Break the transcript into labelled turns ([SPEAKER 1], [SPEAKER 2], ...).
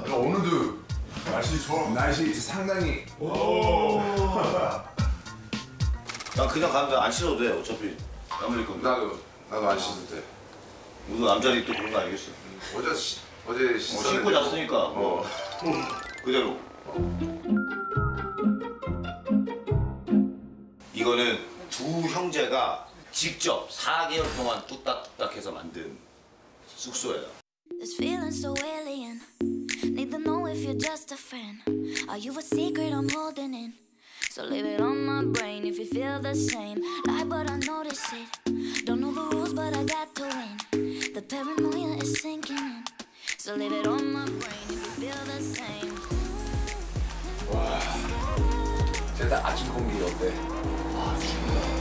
[SPEAKER 1] 오늘도 날씨 좋아. 날씨 상당히.
[SPEAKER 2] 난 그냥 가면 안 씻어도 돼. 어차피 땀 흘릴 건데.
[SPEAKER 1] 나도 안 씻어도 돼.
[SPEAKER 2] 우리 남자들이 또 그런 거 알겠어.
[SPEAKER 1] 어제 씻었는데.
[SPEAKER 2] 씻고 잤으니까. 그대로. 이거는 두 형제가 직접 4개월 동안 뚝딱뚝딱 해서 만든 숙소예요.
[SPEAKER 3] This feeling so alien. Need to know if you're just a friend. Are you a secret I'm holding in? So leave it on my brain if you feel the same. Lie, but I notice it. Don't know the rules, but I got to win. The paranoia is sinking in. So leave it on my brain if you feel the same.
[SPEAKER 1] 와. 일단 아침 공기 어때?
[SPEAKER 2] 아, 죽는다.